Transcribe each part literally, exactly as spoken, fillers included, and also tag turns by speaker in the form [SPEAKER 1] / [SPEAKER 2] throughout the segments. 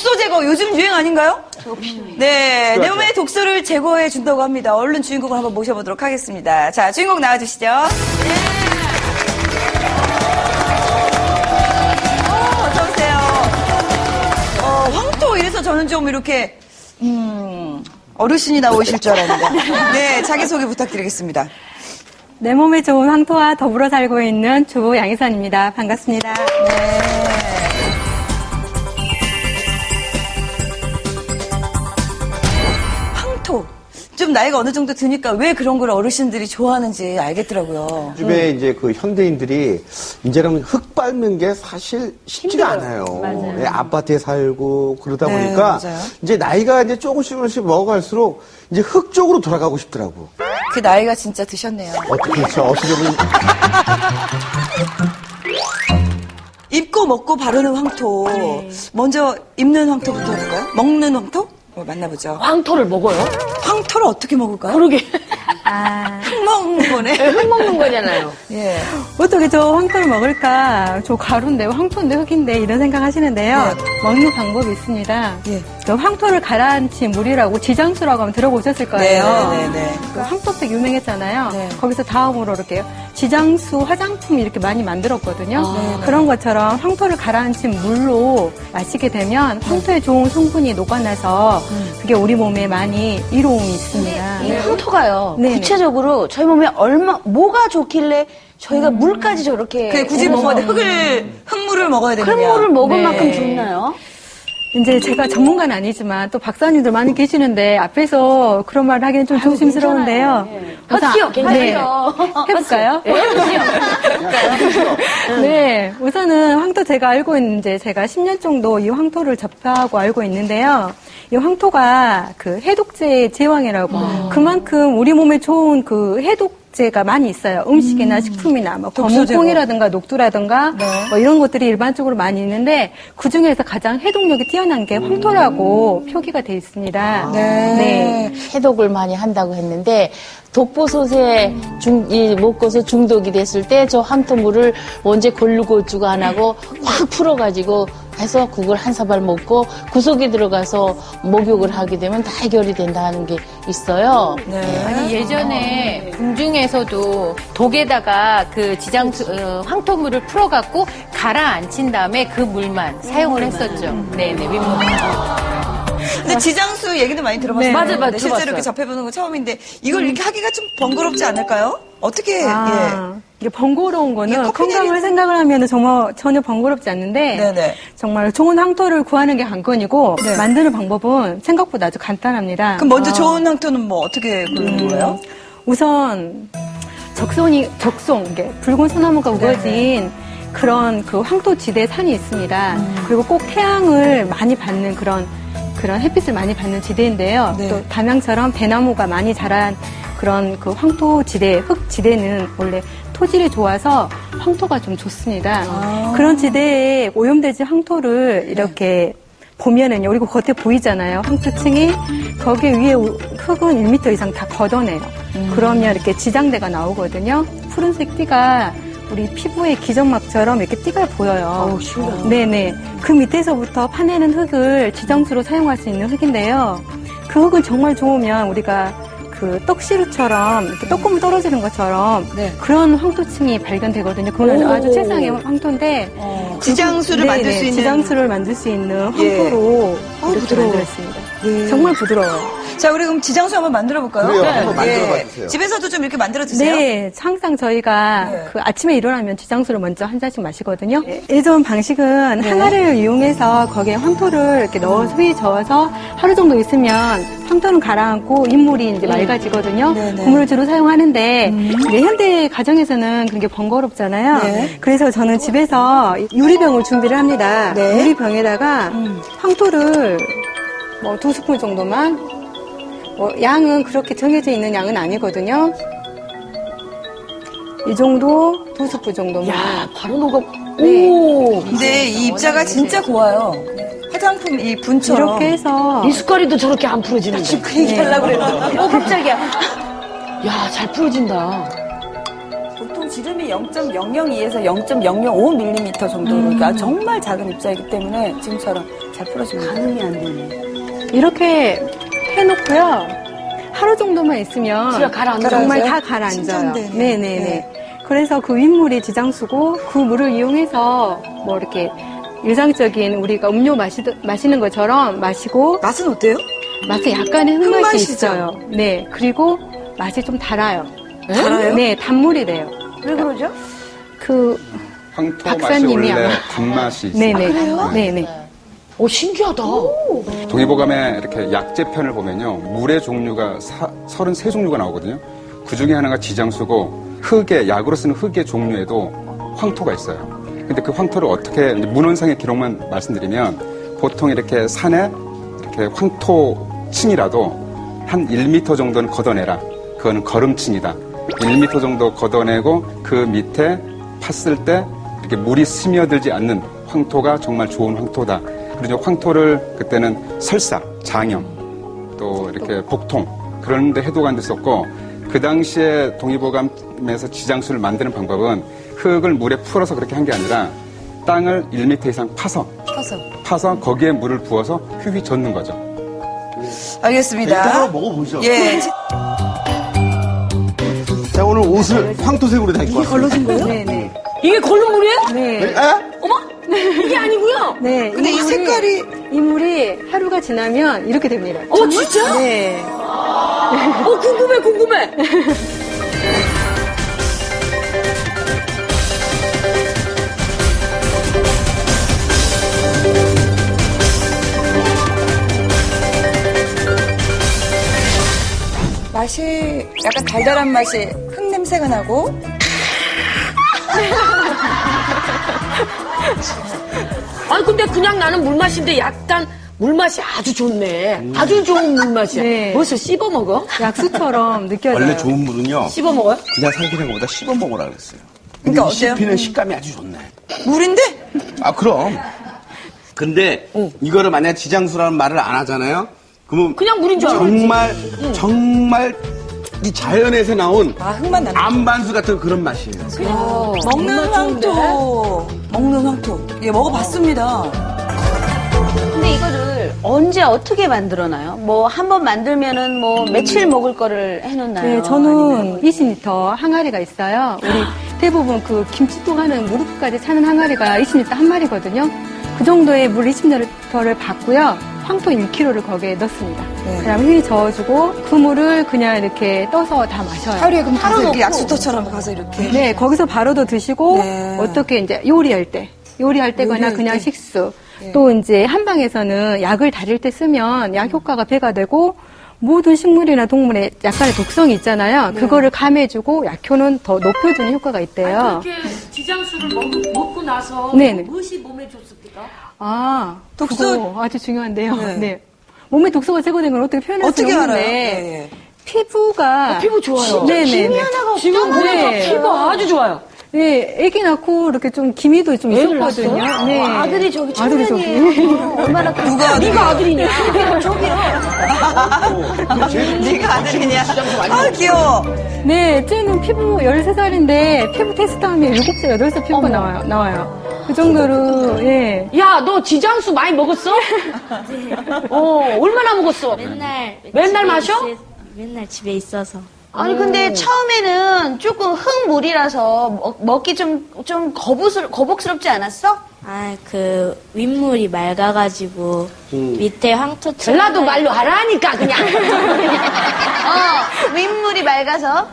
[SPEAKER 1] 독소 제거 요즘 유행 아닌가요? 네, 내 몸의 독소를 제거해 준다고 합니다. 얼른 주인공을 한번 모셔보도록 하겠습니다. 자, 주인공 나와주시죠. 네. 어, 어서 오세요. 어, 황토 이래서 저는 좀 이렇게 음, 어르신이 나오실 줄 알았는데. 네, 자기소개 부탁드리겠습니다.
[SPEAKER 2] 내 몸에 좋은 황토와 더불어 살고 있는 주부 양희선입니다. 반갑습니다.
[SPEAKER 1] 네. 황토. 좀 나이가 어느 정도 드니까 왜 그런 걸 어르신들이 좋아하는지 알겠더라고요.
[SPEAKER 3] 요즘에 이제 그 현대인들이 이제는 흙 밟는 게 사실 쉽지가 않아요.
[SPEAKER 2] 맞아요.
[SPEAKER 3] 예, 아파트에 살고 그러다
[SPEAKER 1] 네,
[SPEAKER 3] 보니까
[SPEAKER 1] 맞아요.
[SPEAKER 3] 이제 나이가 이제 조금씩 조금씩 먹어갈수록 이제 흙 쪽으로 돌아가고 싶더라고.
[SPEAKER 1] 그 나이가 진짜 드셨네요.
[SPEAKER 3] 어떻게 그렇죠? 어떻게 보면
[SPEAKER 1] 입고 먹고 바르는 황토.
[SPEAKER 2] 네.
[SPEAKER 1] 먼저 입는 황토부터 해볼까요? 먹는 황토? 어, 만나보죠.
[SPEAKER 4] 황토를 먹어요?
[SPEAKER 1] 황토를 어떻게 먹을까요?
[SPEAKER 4] 그러게.
[SPEAKER 2] 아,
[SPEAKER 1] 흙 먹는 거네.
[SPEAKER 4] 흙 먹는 거잖아요.
[SPEAKER 1] 예.
[SPEAKER 2] 어떻게 저 황토를 먹을까? 저 가루인데, 황토인데, 흙인데, 이런 생각 하시는데요.
[SPEAKER 1] 네.
[SPEAKER 2] 먹는 방법이 있습니다.
[SPEAKER 1] 예.
[SPEAKER 2] 저 황토를 가라앉힌 물이라고 지장수라고 하면 들어보셨을 거예요.
[SPEAKER 1] 네, 네, 네.
[SPEAKER 2] 그 황토색 유명했잖아요.
[SPEAKER 1] 네.
[SPEAKER 2] 거기서 다음으로 이렇게 지장수 화장품 이렇게 많이 만들었거든요.
[SPEAKER 1] 아,
[SPEAKER 2] 그런 것처럼 황토를 가라앉힌 물로 마시게 되면 황토에 좋은 성분이 녹아나서 그게 우리 몸에 많이 이로움이 있습니다.
[SPEAKER 4] 이 황토가요.
[SPEAKER 2] 네.
[SPEAKER 4] 구체적으로 저희 몸에 얼마 뭐가 좋길래 저희가 물까지 저렇게
[SPEAKER 1] 그 굳이
[SPEAKER 4] 해서
[SPEAKER 1] 먹어야 돼. 흙을, 흙물을 먹어야 되느냐.
[SPEAKER 4] 흙물을 먹을
[SPEAKER 2] 네.
[SPEAKER 4] 만큼 좋나요?
[SPEAKER 2] 이제 제가 전문가는 아니지만 또 박사님들 많이 계시는데 앞에서 그런 말을 하기는 좀 조심스러운데요. 우선-
[SPEAKER 4] 헛기요, 괜찮아요.
[SPEAKER 2] 네. 해볼까요?
[SPEAKER 4] 네, 해보시죠.
[SPEAKER 2] 네, 우선은 황토 제가 알고 있는 이제 제가 십 년 정도 이 황토를 접하고 알고 있는데요. 이 황토가 그 해독제의 제왕이라고 그만큼 우리 몸에 좋은 그 해독제가 많이 있어요. 음식이나 식품이나 뭐
[SPEAKER 1] 독소 제거.
[SPEAKER 2] 거무콩이라든가 녹두라든가
[SPEAKER 1] 네.
[SPEAKER 2] 뭐 이런 것들이 일반적으로 많이 있는데 그 중에서 가장 해독력이 뛰어난 게 황토라고 표기가 돼 있습니다.
[SPEAKER 1] 네.
[SPEAKER 5] 해독을 많이 한다고 했는데 독보솥에 중, 이 먹고서 중독이 됐을 때 저 황토물을 언제 걸르고주가 안 하고 확 풀어가지고 해서 그걸 한 사발 먹고 구석에 들어가서 목욕을 하게 되면 다 해결이 된다는 게 있어요.
[SPEAKER 1] 네.
[SPEAKER 6] 아니 예전에 궁중에서도 독에다가 그 지장 어, 황토물을 풀어갖고 가라앉힌 다음에 그 물만 사용을 했었죠. 네네 윗몸.
[SPEAKER 2] 아.
[SPEAKER 1] 근데 지장수 얘기도 많이 들어봤어요.
[SPEAKER 2] 네.
[SPEAKER 4] 맞아요, 맞아요.
[SPEAKER 1] 근데 실제로
[SPEAKER 4] 들어봤어요.
[SPEAKER 1] 이렇게 접해보는 건 처음인데 이걸 이렇게 하기가 좀 번거롭지 않을까요? 어떻게,
[SPEAKER 2] 아, 이게 번거로운
[SPEAKER 1] 이게
[SPEAKER 2] 거는
[SPEAKER 1] 커피
[SPEAKER 2] 건강을
[SPEAKER 1] 내리는-
[SPEAKER 2] 생각을 하면 정말 전혀 번거롭지 않는데
[SPEAKER 1] 네네.
[SPEAKER 2] 정말 좋은 황토를 구하는 게 관건이고
[SPEAKER 1] 네.
[SPEAKER 2] 만드는 방법은 생각보다 아주 간단합니다.
[SPEAKER 1] 그럼 먼저 좋은 황토는 뭐 어떻게 고르는 거예요?
[SPEAKER 2] 우선 적손이 적송, 이게 붉은 소나무가 우거진 그런 그 황토지대 산이 있습니다. 그리고 꼭 태양을 많이 받는 그런 그런 햇빛을 많이 받는 지대인데요.
[SPEAKER 1] 네.
[SPEAKER 2] 또 담양처럼 대나무가 많이 자란 그런 그 황토지대, 흙지대는 원래 토질이 좋아서 황토가 좀 좋습니다.
[SPEAKER 1] 아.
[SPEAKER 2] 그런 지대에 오염되지 황토를 이렇게 보면은요, 그리고 겉에 보이잖아요. 황토층이 거기 위에 우- 흙은 일 미터 이상 다 걷어내요. 그러면 이렇게 지장대가 나오거든요. 푸른색 띠가 우리 피부의 기점막처럼 이렇게 띠가 보여요. 네네. 그 밑에서부터 파내는 흙을 지장수로 사용할 수 있는 흙인데요. 그 흙은 정말 좋으면 우리가 그 떡시루처럼 이렇게 떡고물 떨어지는 것처럼
[SPEAKER 1] 네.
[SPEAKER 2] 그런 황토층이 발견되거든요. 그건 아주 최상의 황토인데
[SPEAKER 1] 지장수를
[SPEAKER 2] 네네,
[SPEAKER 1] 만들 수 있는.
[SPEAKER 2] 지장수를 만들 수 있는
[SPEAKER 1] 예.
[SPEAKER 2] 황토로
[SPEAKER 1] 어,
[SPEAKER 2] 이렇게
[SPEAKER 1] 부드러워.
[SPEAKER 2] 만들었습니다.
[SPEAKER 1] 예.
[SPEAKER 2] 정말 부드러워요.
[SPEAKER 1] 자, 우리 그럼 지장수 한번 만들어 볼까요?
[SPEAKER 3] 그래요. 한번 만들어봐 주세요.
[SPEAKER 1] 집에서도 좀 이렇게 만들어 드세요.
[SPEAKER 2] 네, 항상 저희가
[SPEAKER 1] 네.
[SPEAKER 2] 그 아침에 일어나면 지장수를 먼저 한 잔씩 마시거든요. 예전 방식은 항아리를 이용해서 거기에 황토를 이렇게 넣어서 휘 저어서 하루 정도 있으면 황토는 가라앉고 인물이 이제 맑아지거든요.
[SPEAKER 1] 네, 네.
[SPEAKER 2] 그 물을 주로 사용하는데 이제 현대 가정에서는 그런 게 번거롭잖아요.
[SPEAKER 1] 네.
[SPEAKER 2] 그래서 저는 집에서 유리병을 준비를 합니다.
[SPEAKER 1] 네.
[SPEAKER 2] 유리병에다가 황토를 뭐 두 스푼 정도만, 뭐 양은 그렇게 정해져 있는 양은 아니거든요. 이 정도, 두 스푼 정도만.
[SPEAKER 4] 야, 바로 녹아.
[SPEAKER 2] 네.
[SPEAKER 4] 오.
[SPEAKER 1] 근데 이 입자가 진짜 고와요. 화장품 이 분처럼.
[SPEAKER 2] 이렇게 해서
[SPEAKER 4] 미숫가루도 저렇게 안 풀어지는 거.
[SPEAKER 1] 그 얘기 하려고 그랬는데.
[SPEAKER 4] 어, 깜짝이야. 야, 잘 풀어진다.
[SPEAKER 1] 보통 지장
[SPEAKER 7] 지름이 영 점 영영이에서 영 점 영영오 밀리미터 정도로 그러니까 정말 작은 입자이기 때문에 지금처럼 잘 풀어집니다.
[SPEAKER 4] 가늠이 안 되네.
[SPEAKER 2] 이렇게 해놓고요. 하루 정도만 있으면
[SPEAKER 4] 진짜 가라앉아요?
[SPEAKER 2] 정말 다 가라앉아요.
[SPEAKER 1] 신전되네.
[SPEAKER 2] 네네네.
[SPEAKER 1] 네.
[SPEAKER 2] 그래서 그 윗물이 지장수고 그 물을 이용해서 뭐 이렇게 일상적인 우리가 음료 마시, 마시는 것처럼 마시고
[SPEAKER 1] 맛은 어때요?
[SPEAKER 2] 맛에 약간의 흙맛이
[SPEAKER 1] 흙맛이죠?
[SPEAKER 2] 있어요. 네. 그리고 맛이 좀 달아요.
[SPEAKER 1] 달아요?
[SPEAKER 2] 네, 단물이 돼요.
[SPEAKER 4] 왜 그러죠?
[SPEAKER 2] 그
[SPEAKER 8] 황토 맛이
[SPEAKER 2] 박사님이
[SPEAKER 8] 원래
[SPEAKER 2] 아마-
[SPEAKER 8] 단맛이 있어요.
[SPEAKER 2] 네네. 네네.
[SPEAKER 4] 오, 신기하다.
[SPEAKER 8] 동의보감의 이렇게 약재편을 보면요. 물의 종류가 사, 서른세 종류가 나오거든요. 그 중에 하나가 지장수고 흙의, 약으로 쓰는 흙의 종류에도 황토가 있어요. 근데 그 황토를 어떻게, 문헌상의 기록만 말씀드리면 보통 이렇게 산에 이렇게 황토층이라도 한 일 미터 정도는 걷어내라. 그거는 거름층이다. 일 미터 정도 걷어내고 그 밑에 팠을 때 이렇게 물이 스며들지 않는 황토가 정말 좋은 황토다. 그리고 황토를 그때는 설사, 장염, 또 이렇게 복통 그런 데 해독한 데 썼고 그 당시에 동의보감에서 지장수를 만드는 방법은 흙을 물에 풀어서 그렇게 한 게 아니라 땅을 일 미터 이상 파서
[SPEAKER 1] 파서.
[SPEAKER 8] 파서 거기에 물을 부어서 휘휘 젓는 거죠.
[SPEAKER 1] 알겠습니다.
[SPEAKER 3] 일단 한번 먹어보죠.
[SPEAKER 1] 예.
[SPEAKER 3] 자, 오늘 옷을 황토색으로 다 입고 왔어요.
[SPEAKER 1] 거예요?
[SPEAKER 2] 네네.
[SPEAKER 4] 이게 걸룩물이에요?
[SPEAKER 2] 네.
[SPEAKER 3] 에?
[SPEAKER 4] 이게 아니고요.
[SPEAKER 2] 네.
[SPEAKER 1] 근데 이
[SPEAKER 2] 물이-
[SPEAKER 1] 색깔이
[SPEAKER 2] 이 물이 하루가 지나면 이렇게 됩니다.
[SPEAKER 4] 어, 진짜?
[SPEAKER 2] 네.
[SPEAKER 4] 어, 궁금해, 궁금해.
[SPEAKER 7] 맛이 약간 달달한 맛이 흙 냄새가 나고
[SPEAKER 4] 아니, 근데 그냥 나는 물맛인데 약간 물맛이 아주 좋네. 아주 좋은 물맛이야.
[SPEAKER 2] 네.
[SPEAKER 4] 벌써 씹어 먹어?
[SPEAKER 2] 약수처럼 느껴져요.
[SPEAKER 3] 원래 좋은 물은요.
[SPEAKER 4] 씹어 먹어요?
[SPEAKER 3] 그냥 삼키는 것보다 씹어 먹으라 그랬어요.
[SPEAKER 1] 그러니까
[SPEAKER 3] 이
[SPEAKER 1] 어때요?
[SPEAKER 3] 씹히는 식감이 아주 좋네.
[SPEAKER 1] 물인데?
[SPEAKER 3] 아, 그럼. 근데 이거를 만약 지장수라는 말을 안 하잖아요. 그러면
[SPEAKER 4] 그냥 물인 줄 알아.
[SPEAKER 3] 정말 정말 이 자연에서 나온
[SPEAKER 7] 아 흙만 나는
[SPEAKER 3] 암반수 같은 그런 맛이에요.
[SPEAKER 1] 먹는 황토. 먹는 황토. 예, 먹어봤습니다.
[SPEAKER 4] 근데 이거를 언제 어떻게 만들어놔요? 뭐 한 번 만들면은 뭐 며칠 먹을 거를 해놓나요?
[SPEAKER 2] 네, 저는 이십 리터 항아리가 있어요. 우리 대부분 그 김치통 하는 무릎까지 차는 항아리가 이십 리터 한 마리거든요. 그 정도의 물 이십 리터를 받고요. 황토 일 킬로그램를 거기에 넣습니다.
[SPEAKER 1] 네.
[SPEAKER 2] 그다음에 휘 저어주고 그 물을 그냥 이렇게 떠서 다 마셔요.
[SPEAKER 1] 하루에 그럼 가서 이렇게
[SPEAKER 4] 놓고.
[SPEAKER 1] 약수터처럼 가서 이렇게.
[SPEAKER 2] 네, 거기서 바로도 드시고
[SPEAKER 1] 네.
[SPEAKER 2] 어떻게 이제 요리할 때, 요리할 때거나
[SPEAKER 1] 요리할
[SPEAKER 2] 그냥
[SPEAKER 1] 때.
[SPEAKER 2] 식수. 또 이제 한방에서는 약을 다릴 때 쓰면 약 효과가 배가 되고 모든 식물이나 동물에 약간의 독성이 있잖아요. 그거를 감해주고 약효는 더 높여주는 효과가 있대요.
[SPEAKER 9] 그렇게 지장수를 먹, 먹고 나서
[SPEAKER 2] 네네.
[SPEAKER 9] 무엇이 몸에 좋습니까?
[SPEAKER 2] 아,
[SPEAKER 1] 독소-
[SPEAKER 2] 독소 아주 중요한데요.
[SPEAKER 1] 네.
[SPEAKER 2] 네. 몸에 독소가 제거된 걸 어떻게 표현할 수
[SPEAKER 1] 어떻게
[SPEAKER 2] 없는데
[SPEAKER 1] 알아요? 예, 예.
[SPEAKER 2] 피부가
[SPEAKER 4] 피부 좋아요.
[SPEAKER 2] 네네.
[SPEAKER 4] 김이 하나가 없잖아요. 지금 보니까
[SPEAKER 2] 네.
[SPEAKER 4] 피부 아주 좋아요.
[SPEAKER 2] 네, 아기 낳고 이렇게 좀 기미도 좀
[SPEAKER 4] 애를
[SPEAKER 2] 있었거든요.
[SPEAKER 4] 낳았어요?
[SPEAKER 2] 네.
[SPEAKER 4] 와, 아들이 저기
[SPEAKER 2] 아들이
[SPEAKER 4] 청년이에요. 얼마나
[SPEAKER 1] 누가
[SPEAKER 4] 네가 아들이냐? 저기요.
[SPEAKER 1] 네가 아들이냐? 아, 귀여워.
[SPEAKER 2] 네, 쟤는 피부 열세 살인데 피부 테스트하면 일곱 살, 여덟 살 피부가 나와요. 나와요. 그 정도로 예.
[SPEAKER 4] 야, 너 지장수 많이 먹었어? 어, 얼마나 먹었어?
[SPEAKER 10] 맨날
[SPEAKER 4] 맨날
[SPEAKER 10] 집에
[SPEAKER 4] 마셔?
[SPEAKER 10] 있을- 맨날 집에 있어서
[SPEAKER 4] 아니 근데 처음에는 조금 흙물이라서 먹, 먹기 좀 좀 거부스러 거북스럽지 않았어?
[SPEAKER 10] 아 그 윗물이 맑아가지고 밑에 황토
[SPEAKER 4] 전라도 말로 하라니까 그냥. 어, 윗물이 맑아서.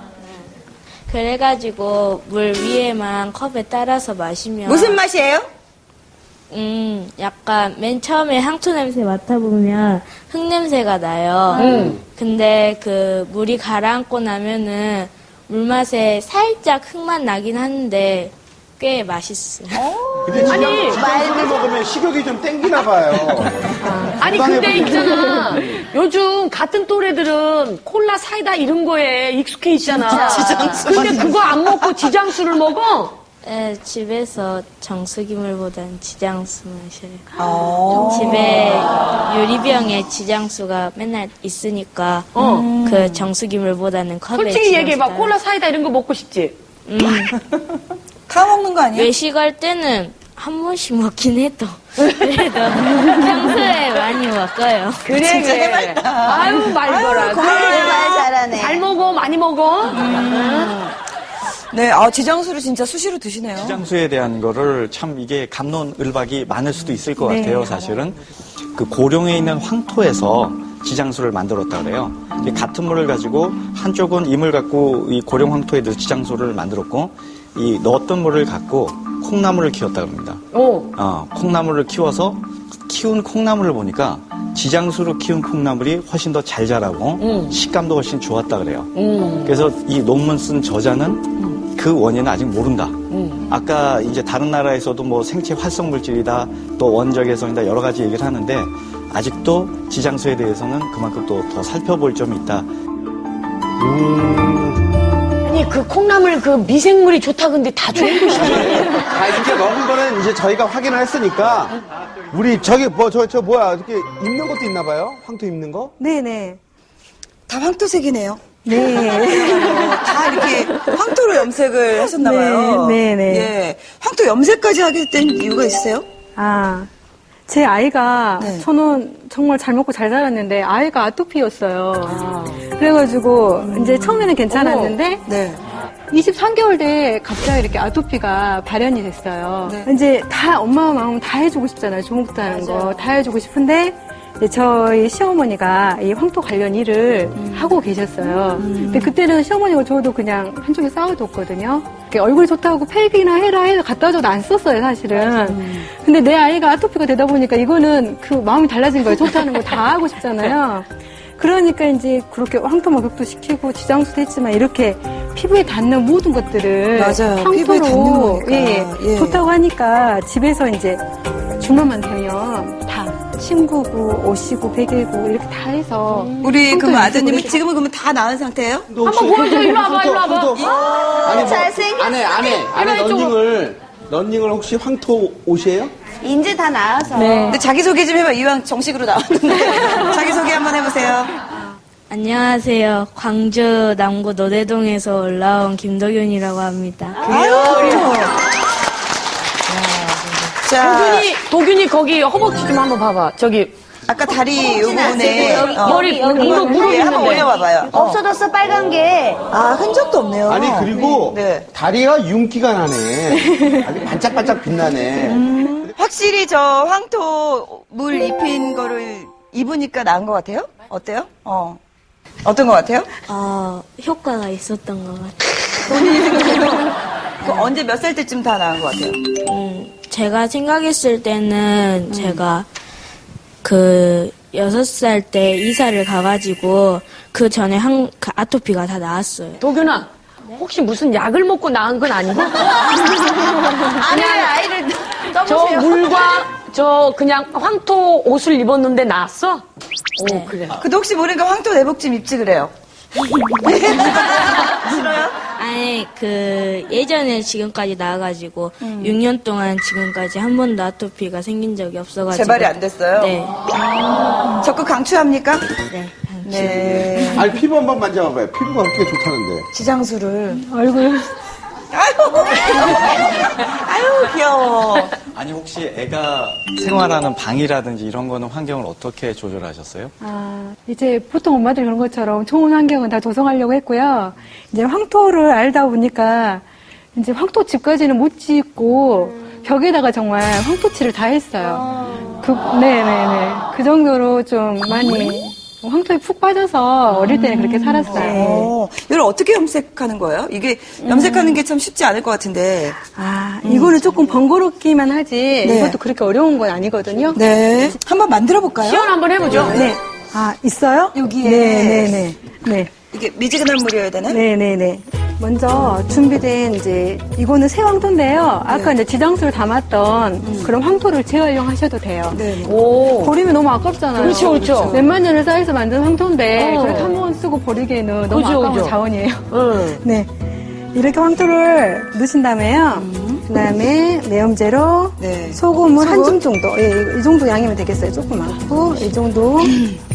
[SPEAKER 10] 그래가지고 물 위에만 컵에 따라서 마시면
[SPEAKER 1] 무슨 맛이에요?
[SPEAKER 10] 음 약간 맨 처음에 향토 냄새 맡아보면 흙 냄새가 나요.
[SPEAKER 4] 음.
[SPEAKER 10] 근데 그 물이 가라앉고 나면은 물맛에 살짝 흙맛 나긴 하는데 꽤 맛있어요.
[SPEAKER 3] 근데 지장, 지장수를 먹으면 식욕이 좀 땡기나 봐요.
[SPEAKER 4] 아니 근데 있잖아. 요즘 같은 또래들은 콜라 사이다 이런 거에 익숙해 있잖아.
[SPEAKER 1] 지장수
[SPEAKER 4] 근데 그거 안 먹고 지장수를 먹어?
[SPEAKER 10] 네, 집에서 정수기물보다는 지장수 마셔요.
[SPEAKER 1] 아.
[SPEAKER 10] 집에 유리병에 지장수가 맨날 있으니까
[SPEAKER 4] 어.
[SPEAKER 10] 그 정수기물보다는 컵에
[SPEAKER 4] 솔직히 얘기해봐.
[SPEAKER 10] 지장수
[SPEAKER 4] 콜라 사이다 이런 거 먹고 싶지?
[SPEAKER 10] 음,
[SPEAKER 1] 다 먹는 거 아니에요?
[SPEAKER 10] 외식할 때는 한 번씩 먹긴 해도 그래도 평소에 많이 먹어요.
[SPEAKER 4] 그래,
[SPEAKER 1] 진짜
[SPEAKER 4] 그래.
[SPEAKER 1] 해맑다.
[SPEAKER 4] 아유, 말거라.
[SPEAKER 1] 아유, 고마워요.
[SPEAKER 4] 말 잘하네. 잘 먹어, 많이 먹어.
[SPEAKER 1] 네, 아, 지장수를 진짜 수시로 드시네요.
[SPEAKER 11] 지장수에 대한 거를 참 이게 갑론을박이 많을 수도 있을 것
[SPEAKER 2] 네.
[SPEAKER 11] 같아요, 사실은. 그 고령에 있는 황토에서 지장수를 만들었다 그래요. 이게 같은 물을 가지고 한쪽은 이물 갖고 이 고령 황토에 넣어서 지장수를 만들었고 이 넣었던 물을 갖고 콩나물을 키웠다 그럽니다.
[SPEAKER 4] 오.
[SPEAKER 11] 어, 콩나물을 키워서 키운 콩나물을 보니까 지장수로 키운 콩나물이 훨씬 더 잘 자라고
[SPEAKER 4] 음.
[SPEAKER 11] 식감도 훨씬 좋았다 그래요.
[SPEAKER 4] 음.
[SPEAKER 11] 그래서 이 논문 쓴 저자는 그 원인은 아직 모른다.
[SPEAKER 4] 음.
[SPEAKER 11] 아까 이제 다른 나라에서도 뭐 생체 활성 물질이다, 또 원적 해성이다 여러 가지 얘기를 하는데 아직도 지장수에 대해서는 그만큼 또 더 살펴볼 점이 있다.
[SPEAKER 4] 아니, 그 콩나물 그 미생물이 좋다 근데 다 좋은 것이지.
[SPEAKER 3] 아, 이제 먹은 거는 이제 저희가 확인을 했으니까 우리 저기 뭐 저 저 뭐야 이렇게 입는 것도 있나 봐요? 황토 입는 거?
[SPEAKER 2] 네네.
[SPEAKER 1] 다 황토색이네요.
[SPEAKER 2] 네.
[SPEAKER 1] 다 이렇게 황토로 염색을 하셨나봐요.
[SPEAKER 2] 네, 네, 네.
[SPEAKER 1] 예. 황토 염색까지 하게 된 이유가 있으세요?
[SPEAKER 2] 아, 제 아이가
[SPEAKER 1] 네.
[SPEAKER 2] 저는 정말 잘 먹고 잘 자랐는데 아이가 아토피였어요. 그래가지고 이제 처음에는 괜찮았는데
[SPEAKER 1] 네.
[SPEAKER 2] 이십삼 개월 돼 갑자기 이렇게 아토피가 발현이 됐어요.
[SPEAKER 1] 네.
[SPEAKER 2] 이제 다 엄마 마음 다 해주고 싶잖아요. 조목도 하는 거 다 해주고 싶은데 이제 저희 시어머니가 이 황토 관련 일을
[SPEAKER 1] 음.
[SPEAKER 2] 하고 계셨어요. 근데 그때는 시어머니가 저도 그냥 한쪽에 쌓아뒀거든요. 이렇게 얼굴이 좋다고 팩이나 해라 해서 갖다 줘도 안 썼어요, 사실은. 근데 내 아이가 아토피가 되다 보니까 이거는 그 마음이 달라진 거예요. 좋다는 거 다 하고 싶잖아요. 그러니까 이제 그렇게 황토 목욕도 시키고 지장수도 했지만 이렇게 피부에 닿는 모든 것들을
[SPEAKER 1] 맞아요. 피부에 닿는
[SPEAKER 2] 황토로
[SPEAKER 1] 거니까.
[SPEAKER 2] 예,
[SPEAKER 1] 예.
[SPEAKER 2] 좋다고 하니까 집에서 이제 주말만 되면 다 침구고 옷이고 베개고 이렇게 다 해서
[SPEAKER 1] 우리
[SPEAKER 2] 황토
[SPEAKER 1] 그럼
[SPEAKER 2] 염색을
[SPEAKER 1] 아드님은
[SPEAKER 2] 해서-
[SPEAKER 1] 지금은 그러면 다 나은 상태예요?
[SPEAKER 3] 한번
[SPEAKER 4] 보여줘. 일로 와봐, 일로 와봐.
[SPEAKER 3] 아니 뭐
[SPEAKER 1] 잘생겼어.
[SPEAKER 3] 안에 안에 안에 런닝을 런닝을 혹시 황토 옷이에요?
[SPEAKER 4] 이제 다 나아서.
[SPEAKER 2] 네.
[SPEAKER 1] 근데 자기소개 좀 해봐. 이왕 정식으로 나왔는데. 자기소개 한번 해보세요.
[SPEAKER 10] 안녕하세요. 광주 남구 노대동에서 올라온 김덕윤이라고 합니다.
[SPEAKER 1] 자,
[SPEAKER 4] 도균이, 도균이 거기 허벅지 좀 한번 봐봐. 저기.
[SPEAKER 1] 아까 다리 요 부분에
[SPEAKER 4] 여기,
[SPEAKER 1] 어,
[SPEAKER 4] 머리,
[SPEAKER 1] 이거
[SPEAKER 4] 여기, 이거 무릎
[SPEAKER 1] 위에 한번
[SPEAKER 4] 있는데.
[SPEAKER 1] 올려봐봐요. 어.
[SPEAKER 4] 없어졌어, 빨간 게.
[SPEAKER 1] 아, 흔적도 없네요.
[SPEAKER 3] 아니 그리고
[SPEAKER 1] 네.
[SPEAKER 3] 다리가 윤기가 나네. 아주 반짝반짝 빛나네.
[SPEAKER 1] 확실히 저 황토 물 입힌 거를 입으니까 나은 것 같아요? 어때요? 어. 어떤 것 같아요?
[SPEAKER 10] 어, 효과가 있었던 것 같아요.
[SPEAKER 1] 그 언제 몇 살 때쯤 다 나은 것 같아요?
[SPEAKER 10] 음, 제가 생각했을 때는 제가 그 여섯 살 때 이사를 가가지고 그 전에 한, 그 아토피가 다 나았어요.
[SPEAKER 4] 도균아, 혹시 무슨 약을 먹고 나은 건 아니고?
[SPEAKER 1] 아니, 아이를
[SPEAKER 4] 저
[SPEAKER 1] 떠보세요.
[SPEAKER 4] 물과 저 그냥 황토 옷을 입었는데 나았어? 오, 그래.
[SPEAKER 1] 근데 혹시 모르니까 황토 내복 좀 입지 그래요? 싫어요?
[SPEAKER 10] 아니, 그, 예전에 지금까지 나와가지고, 육 년 동안 지금까지 한 번도 아토피가 생긴 적이 없어가지고.
[SPEAKER 1] 재발이 안 됐어요?
[SPEAKER 10] 네.
[SPEAKER 1] 적극 강추합니까?
[SPEAKER 10] 네.
[SPEAKER 1] 네.
[SPEAKER 3] 아니 피부 한번 만져봐봐요. 피부가 그렇게 좋다는데.
[SPEAKER 1] 지장수를.
[SPEAKER 2] 얼굴
[SPEAKER 1] 아유, 아유, 귀여워.
[SPEAKER 11] 아니 혹시 애가 생활하는 방이라든지 이런 거는 환경을 어떻게 조절하셨어요?
[SPEAKER 2] 아, 이제 보통 엄마들 그런 것처럼 좋은 환경은 다 조성하려고 했고요. 이제 황토를 알다 보니까 이제 황토 집까지는 못 짓고 벽에다가 정말 황토칠을 다 했어요. 그, 네네네. 그 정도로 좀 많이 황토에 푹 빠져서 어릴 때는 그렇게 살았어요.
[SPEAKER 1] 어, 이걸 어떻게 염색하는 거예요? 이게 염색하는 게 참 쉽지 않을 것 같은데.
[SPEAKER 2] 아, 이거는 조금 번거롭기만 하지
[SPEAKER 1] 네.
[SPEAKER 2] 이것도 그렇게 어려운 건 아니거든요.
[SPEAKER 1] 네. 한번 만들어 볼까요?
[SPEAKER 4] 시연 한번 해보죠.
[SPEAKER 2] 네. 아, 있어요?
[SPEAKER 1] 여기에.
[SPEAKER 2] 네네네. 네.
[SPEAKER 1] 이게 미지근한 물이어야 되나?
[SPEAKER 2] 네네네. 먼저 준비된 이제 이거는 새 황토인데요. 아까 이제 지장수를 담았던 그런 황토를 재활용하셔도 돼요.
[SPEAKER 1] 네.
[SPEAKER 4] 오.
[SPEAKER 2] 버리면 너무 아깝잖아요.
[SPEAKER 4] 그렇죠, 그렇죠.
[SPEAKER 2] 몇만 년을 쌓여서 만든 황토인데
[SPEAKER 4] 어.
[SPEAKER 2] 그렇게 한 번 쓰고 버리기에는 너무
[SPEAKER 4] 그죠,
[SPEAKER 2] 아까운
[SPEAKER 4] 그죠.
[SPEAKER 2] 자원이에요.
[SPEAKER 4] 응.
[SPEAKER 2] 네. 이렇게 황토를 넣으신 다음에요. 그다음에 내염제로
[SPEAKER 1] 네.
[SPEAKER 2] 소금을 한
[SPEAKER 1] 소금?
[SPEAKER 2] 줌 정도. 예, 이 정도 양이면 되겠어요. 조금 많고 이 정도.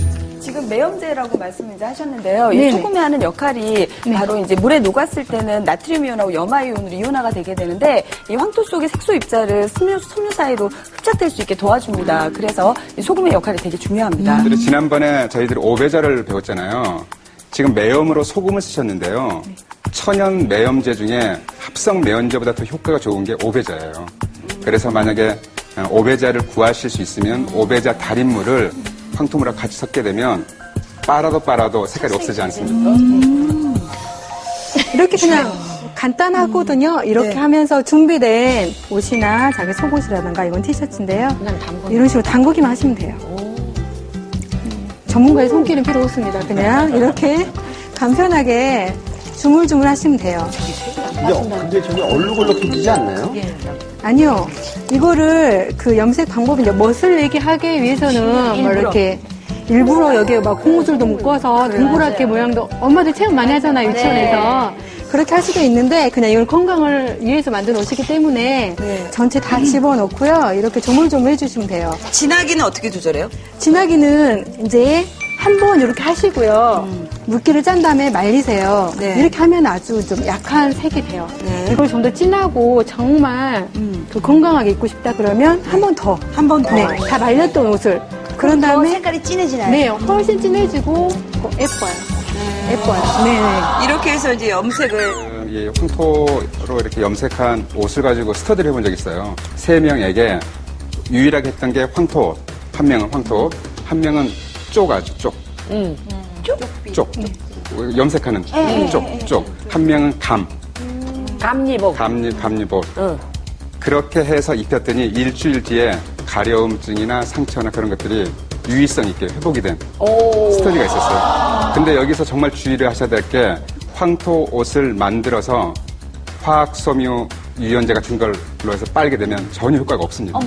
[SPEAKER 7] 지금 매염제라고 말씀을 이제 하셨는데요. 이
[SPEAKER 2] 네네.
[SPEAKER 7] 소금이 하는 역할이
[SPEAKER 2] 네.
[SPEAKER 7] 바로 이제 물에 녹았을 때는 나트륨 이온하고 염화 이온으로 이온화가 되게 되는데 이 황토 속의 색소 입자를 섬유, 섬유 사이로 흡착될 수 있게 도와줍니다. 그래서 이 소금의 역할이 되게 중요합니다.
[SPEAKER 8] 그리고 지난번에 저희들이 오배자를 배웠잖아요. 지금 매염으로 소금을 쓰셨는데요. 천연 매염제 중에 합성 매염제보다 더 효과가 좋은 게 오배자예요. 그래서 만약에 오배자를 구하실 수 있으면 오배자 달인물을 황토물하고 같이 섞게 되면 빨아도 빨아도 색깔이 없어지지 않습니까?
[SPEAKER 2] 음. 이렇게 그냥 간단하거든요. 이렇게
[SPEAKER 1] 네.
[SPEAKER 2] 하면서 준비된 옷이나 자기 속옷이라든가 이건 티셔츠인데요. 이런 식으로 담그기만 하시면 돼요. 전문가의 손길은 필요 없습니다. 그냥 이렇게 간편하게 주물주물 하시면 돼요.
[SPEAKER 3] 근데, 근데 저게 얼룩얼룩해지지 않나요?
[SPEAKER 2] 아니요. 이거를 그 염색 방법이 이제 멋을 내게 하기 위해서는 뭐 이렇게 일부러 여기에 막 고무줄도 묶어서 동그랗게 모양도 엄마들 체험 많이 하잖아요. 유치원에서. 그렇게 할 수도 있는데 그냥 이걸 건강을 위해서 만든 옷이기 때문에
[SPEAKER 1] 네.
[SPEAKER 2] 전체 다 집어넣고요. 이렇게 조물조물 해주시면 돼요.
[SPEAKER 1] 진하기는 어떻게 조절해요?
[SPEAKER 2] 진하기는 이제 한 번 이렇게 하시고요. 물기를 짠 다음에 말리세요.
[SPEAKER 1] 네.
[SPEAKER 2] 이렇게 하면 아주 좀 약한 색이 돼요.
[SPEAKER 1] 네.
[SPEAKER 2] 이걸 좀 더 진하고 정말 그 건강하게 입고 싶다 그러면 한 번 더.
[SPEAKER 1] 한 번 더.
[SPEAKER 2] 네, 다 말렸던 옷을. 그런 다음에
[SPEAKER 4] 색깔이 진해지나요?
[SPEAKER 2] 네, 훨씬 진해지고 어, 예뻐요. 예뻐요. 네, 네.
[SPEAKER 1] 이렇게 해서 이제 염색을
[SPEAKER 8] 그, 이 황토로 이렇게 염색한 옷을 가지고 스터디를 해본 적이 있어요. 세 명에게 유일하게 했던 게 황토, 한 명은 황토, 한 명은 쪽 아주 쪽.
[SPEAKER 4] 음.
[SPEAKER 8] 쪽? 쪽. 염색하는 쪽, 쪽. 한 명은 감.
[SPEAKER 4] 감리복.
[SPEAKER 8] 감리, 감리복. 그렇게 해서 입혔더니 일주일 뒤에 가려움증이나 상처나 그런 것들이 유의성 있게 회복이 된 스터디가 있었어요. 근데 여기서 정말 주의를 하셔야 될 게 황토 옷을 만들어서 화학 섬유 유연제 같은 걸로 해서 빨게 되면 전혀 효과가 없습니다.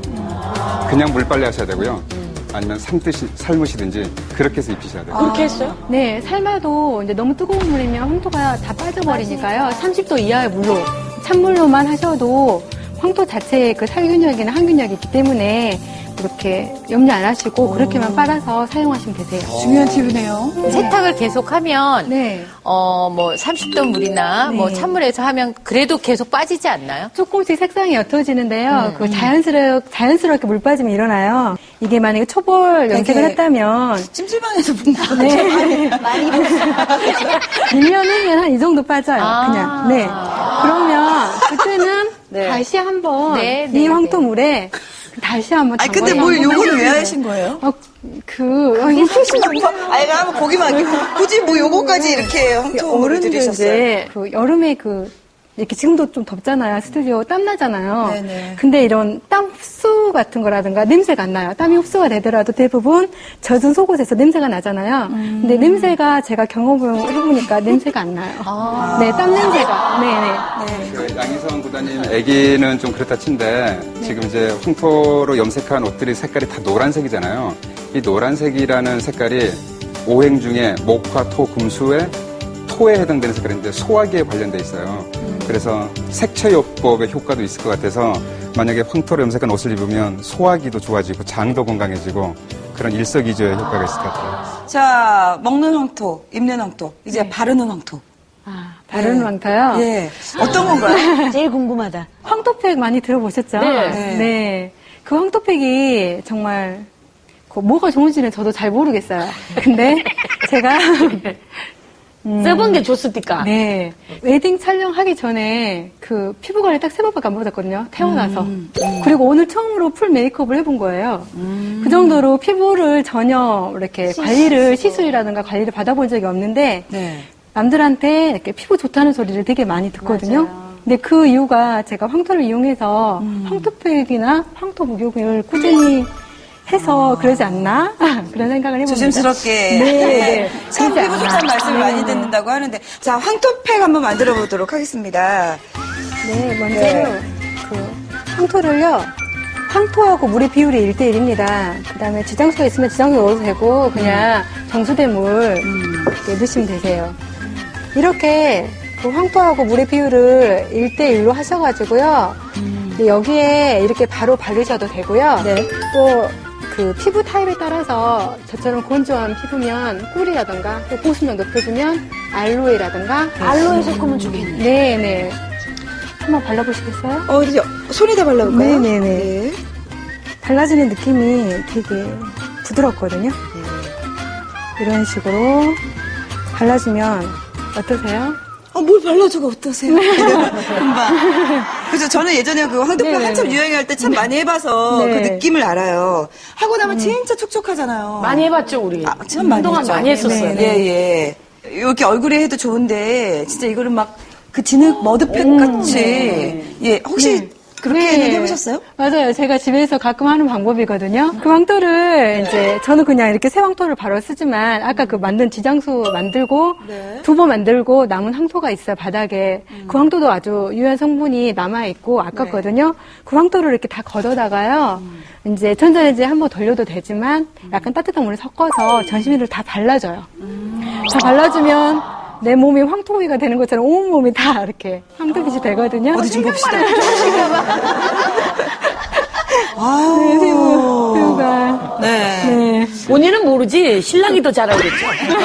[SPEAKER 8] 그냥 물빨래 하셔야 되고요. 아니면 삶듯이, 삶으시든지 그렇게 해서 입히셔야 돼요.
[SPEAKER 4] 그렇게 했어요?
[SPEAKER 2] 네, 삶아도 이제 너무 뜨거운 물이면 황토가 다 빠져버리니까요. 삼십 도 이하의 물로, 찬물로만 하셔도 황토 자체에 그 살균력이나 항균력이 있기 때문에 그렇게 염려 안 하시고 그렇게만 빨아서 사용하시면 되세요.
[SPEAKER 1] 중요한 팁이네요.
[SPEAKER 6] 세탁을 계속하면
[SPEAKER 2] 네.
[SPEAKER 6] 어 뭐 삼십 도 물이나
[SPEAKER 2] 네.
[SPEAKER 6] 뭐 찬물에서 하면 그래도 계속 빠지지 않나요?
[SPEAKER 2] 조금씩 색상이 옅어지는데요. 그 자연스럽, 자연스럽게 물 빠짐이 일어나요. 이게 만약에 초벌 염색을
[SPEAKER 1] 되게
[SPEAKER 2] 했다면
[SPEAKER 1] 찜질방에서 본 거.
[SPEAKER 2] 네. 많이 일 년 후면 한 이 정도 빠져요.
[SPEAKER 6] 아.
[SPEAKER 2] 그냥. 네. 그러면 그때는
[SPEAKER 1] 네.
[SPEAKER 2] 다시 한번
[SPEAKER 6] 네,
[SPEAKER 2] 이
[SPEAKER 6] 네,
[SPEAKER 2] 황토물에 다시 한번
[SPEAKER 1] 아니 근데
[SPEAKER 2] 담궈서
[SPEAKER 1] 뭘
[SPEAKER 2] 한번
[SPEAKER 1] 요거를 왜
[SPEAKER 2] 해주세요.
[SPEAKER 1] 하신 거예요?
[SPEAKER 2] 어, 그 어, 이거
[SPEAKER 1] 뭐, 아니 한번 보기만 할게요. 굳이 뭐 요거까지 이렇게 황토를
[SPEAKER 2] 어른들
[SPEAKER 1] 들이셨어요.
[SPEAKER 2] 이제 그 여름에 그 이렇게 지금도 좀 덥잖아요. 스튜디오 땀 나잖아요.
[SPEAKER 1] 네네.
[SPEAKER 2] 근데 이런 땀 흡수 같은 거라든가 냄새가 안 나요. 땀이 흡수가 되더라도 대부분 젖은 속옷에서 냄새가 나잖아요.
[SPEAKER 1] 음.
[SPEAKER 2] 근데 냄새가 제가 경험을 해보니까 냄새가 안 나요.
[SPEAKER 1] 아.
[SPEAKER 2] 네, 땀 냄새가. 네네.
[SPEAKER 8] 그 양희성 구단님 아기는 좀 그렇다 친데 지금 이제 황토로 염색한 옷들이 색깔이 다 노란색이잖아요. 이 노란색이라는 색깔이 오행 중에 목화, 토, 금수의 토에 해당되는 색깔인데 소화기에 관련돼 있어요. 그래서 색채요법의 효과도 있을 것 같아서 만약에 황토로 염색한 옷을 입으면 소화기도 좋아지고 장도 건강해지고 그런 일석이조의 효과가 있을 것 같아요.
[SPEAKER 1] 자, 먹는 황토, 입는 황토, 이제 바르는 황토.
[SPEAKER 2] 아, 바르는
[SPEAKER 1] 네.
[SPEAKER 2] 황토요?
[SPEAKER 1] 예. 어떤 건가요?
[SPEAKER 4] 제일 궁금하다.
[SPEAKER 2] 황토팩 많이 들어보셨죠?
[SPEAKER 4] 네.
[SPEAKER 2] 네. 그 황토팩이 정말 그 뭐가 좋은지는 저도 잘 모르겠어요. 근데 제가 음,
[SPEAKER 4] 써본 게 좋습니까?
[SPEAKER 2] 네. 웨딩 촬영하기 전에 그 피부 관리 딱 세 번밖에 안 받았거든요. 태어나서.
[SPEAKER 1] 음,
[SPEAKER 2] 그리고 오늘 처음으로 풀 메이크업을 해본 거예요.
[SPEAKER 1] 음.
[SPEAKER 2] 그 정도로 피부를 전혀 이렇게 관리를, 시술이라든가 관리를 받아본 적이 없는데,
[SPEAKER 1] 네.
[SPEAKER 2] 남들한테 이렇게 피부 좋다는 소리를 되게 많이 듣거든요. 근데 그 이유가 제가 황토를 이용해서
[SPEAKER 1] 음.
[SPEAKER 2] 황토팩이나 황토 목욕을 꾸준히 해서 그러지 않나? 그런 생각을 해봅니다.
[SPEAKER 1] 조심스럽게.
[SPEAKER 2] 네, 네.
[SPEAKER 1] 참
[SPEAKER 2] 그러지
[SPEAKER 1] 피부
[SPEAKER 2] 않나.
[SPEAKER 1] 좋다는 말씀을
[SPEAKER 2] 네,
[SPEAKER 1] 많이
[SPEAKER 2] 네.
[SPEAKER 1] 듣는다고 하는데. 자, 황토팩 한번 만들어 보도록 하겠습니다.
[SPEAKER 2] 네, 먼저
[SPEAKER 1] 네.
[SPEAKER 2] 그 황토를요. 황토하고 물의 비율이 일 대 일입니다. 그 다음에 지장수가 있으면 지장수 넣어도 되고, 그냥 정수된 물 이렇게 넣으시면 되세요. 이렇게 그 황토하고 물의 비율을 일 대 일로 하셔가지고요. 이제 여기에 이렇게 바로 바르셔도 되고요. 또 그 피부 타입에 따라서 저처럼 건조한 피부면 꿀이라던가 또 보습력 높여주면 알로에라던가
[SPEAKER 4] 알로에 섞으면 좋겠네요.
[SPEAKER 2] 네네. 한번 발라보시겠어요?
[SPEAKER 1] 어, 이제 손에다 발라볼까요?
[SPEAKER 2] 네네네.
[SPEAKER 1] 네.
[SPEAKER 2] 발라지는 느낌이 되게 부드럽거든요. 이런 식으로 발라주면 어떠세요?
[SPEAKER 1] 아, 뭘 발라주고 어떠세요? 금방. 그래서 저는 예전에 그 황토병
[SPEAKER 2] 네네네.
[SPEAKER 1] 한참 유행할 때 참 많이 해봐서
[SPEAKER 2] 네.
[SPEAKER 1] 그 느낌을 알아요. 하고 나면 진짜 촉촉하잖아요.
[SPEAKER 9] 많이 해봤죠, 우리.
[SPEAKER 1] 아, 참 많이
[SPEAKER 9] 한동안
[SPEAKER 1] 했죠.
[SPEAKER 9] 많이 했었어요.
[SPEAKER 1] 예, 예. 이렇게 얼굴에 해도 좋은데, 진짜 이거를 막 그 진흙 머드팩 같이. 예, 혹시 그렇게는
[SPEAKER 2] 네.
[SPEAKER 1] 해보셨어요?
[SPEAKER 2] 맞아요. 제가 집에서 가끔 하는 방법이거든요. 그 황토를 이제 저는 그냥 이렇게 새 황토를 바로 쓰지만 아까 그 만든 지장수 만들고
[SPEAKER 1] 네.
[SPEAKER 2] 두부 만들고 남은 황토가 있어요, 바닥에. 그 황토도 아주 유효한 성분이 남아있고 아깝거든요. 그 황토를 이렇게 다 걷어다가요. 이제 전자레인지에 한번 돌려도 되지만 약간 따뜻한 물에 섞어서 전신미를 다 발라줘요. 다 발라주면 내 몸이 황토위가 되는 것처럼 온몸이 다 이렇게 황토빛이 되거든요.
[SPEAKER 1] 어디 좀 봅시다.
[SPEAKER 2] 네,
[SPEAKER 1] 아유.
[SPEAKER 2] 피부, 피부가.
[SPEAKER 1] 네.
[SPEAKER 2] 네.
[SPEAKER 9] 본인은 모르지 신랑이 더 잘 알겠죠.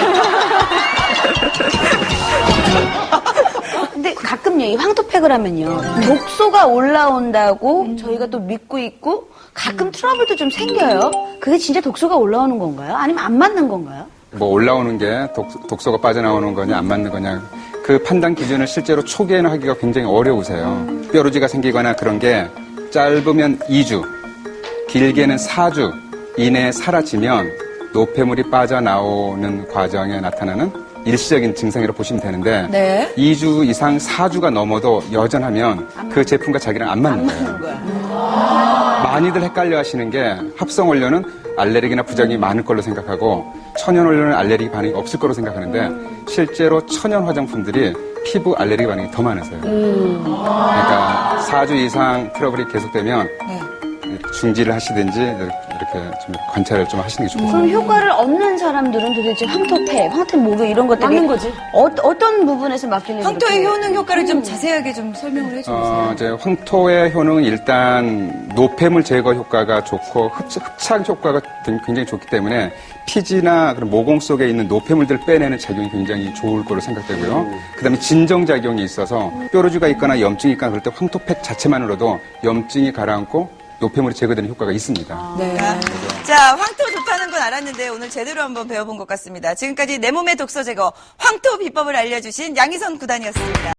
[SPEAKER 4] 근데 가끔 이 황토팩을 하면요. 독소가 올라온다고 저희가 또 믿고 있고 가끔 트러블도 좀 생겨요. 그게 진짜 독소가 올라오는 건가요? 아니면 안 맞는 건가요?
[SPEAKER 8] 뭐 올라오는 게 독, 독소가 빠져나오는 거냐 안 맞는 거냐 그 판단 기준을 실제로 초기에는 하기가 굉장히 어려우세요. 뾰루지가 생기거나 그런 게 짧으면 이 주, 길게는 사 주 이내에 사라지면 노폐물이 빠져나오는 과정에 나타나는 일시적인 증상이라고 보시면 되는데
[SPEAKER 1] 네.
[SPEAKER 8] 이 주 이상 사 주가 넘어도 여전하면 그 제품과 자기랑 안 맞는 거예요. 많이들 헷갈려 하시는 게 합성 원료는 알레르기나 부작용이 많을 걸로 생각하고 천연 원료는 알레르기 반응이 없을 거로 생각하는데 실제로 천연 화장품들이 피부 알레르기 반응이 더 많으세요. 그러니까 사 주 이상 트러블이 계속되면 중지를 하시든지 이렇게 좀 관찰을 좀 하시는 게 좋겠습니다.
[SPEAKER 4] 그럼 효과를 얻는 사람들은 도대체 황토팩, 황토 목욕 이런 것들이
[SPEAKER 9] 맞는 거지.
[SPEAKER 4] 어, 어떤 부분에서 막히는지
[SPEAKER 1] 황토의
[SPEAKER 4] 그렇게.
[SPEAKER 1] 효능 효과를 좀 자세하게 좀 설명을 해주세요.
[SPEAKER 8] 어, 이제 황토의 효능은 일단 노폐물 제거 효과가 좋고 흡착, 흡착 효과가 굉장히 좋기 때문에 피지나 그런 모공 속에 있는 노폐물들을 빼내는 작용이 굉장히 좋을 거로 생각되고요. 그다음에 진정 작용이 있어서 뾰루지가 있거나 염증이 있거나 그럴 때 황토팩 자체만으로도 염증이 가라앉고 노폐물이 제거되는 효과가 있습니다.
[SPEAKER 1] 네. 자, 황토 좋다는 건 알았는데 오늘 제대로 한번 배워본 것 같습니다. 지금까지 내 몸의 독소 제거 황토 비법을 알려주신 양희선 구단이었습니다.